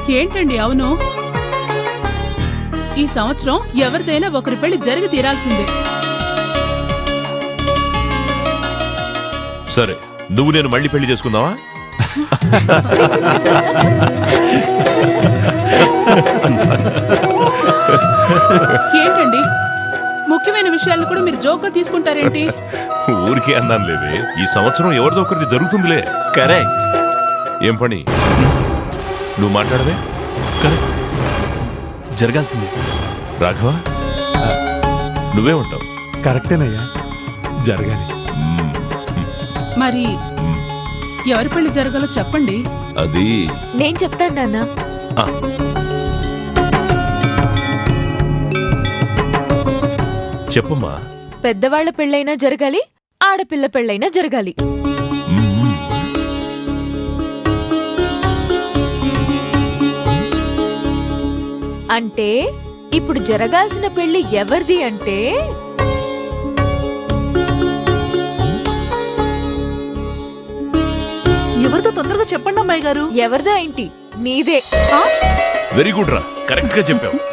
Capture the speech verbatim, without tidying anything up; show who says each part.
Speaker 1: ఏంటండి అవును? ఈ సంవత్సరం ఎవరిదైనా ఒకరి పెళ్లి జరిగి తీరాల్సిందే.
Speaker 2: సరే, నువ్వు నేను మళ్ళీ పెళ్లి చేసుకుందావా?
Speaker 1: ఏంటండి ముఖ్యమైన విషయాలను కూడా మీరు జోక్గా తీసుకుంటారేంటి?
Speaker 2: ఊరికే అన్నాను లేదే, ఈ సంవత్సరం ఎవరిదో ఒకరిది జరుగుతుందిలే.
Speaker 3: కరెక్ట్.
Speaker 2: ఏం పని? నువ్వు మాట్లాడవే.
Speaker 3: కరెక్ట్, జరగాల్సింది.
Speaker 2: రాఘవ, నువ్వే ఉంటావు.
Speaker 4: కరెక్టేనయ్యా, జరగాలి.
Speaker 1: మరి ఎవరి పెళ్లి జరగాలో చెప్పండి.
Speaker 2: అది
Speaker 5: నేను చెప్తాను నాన్న.
Speaker 2: ఆ, చెప్పమ్మా.
Speaker 5: పెద్దవాళ్ల పెళ్ళైనా జరగాలి, ఆడపిల్ల పెళ్ళైనా జరగాలి. అంటే ఇప్పుడు జరగాల్సిన పెళ్లి ఎవరిది అంటే
Speaker 6: ఎవరితో తొందరగా చెప్పండి అమ్మాయి గారు.
Speaker 5: ఎవరిదా ఏంటి? నీదే.
Speaker 2: వెరీ గుడ్ రా, కరెక్ట్ గా చెప్పావు.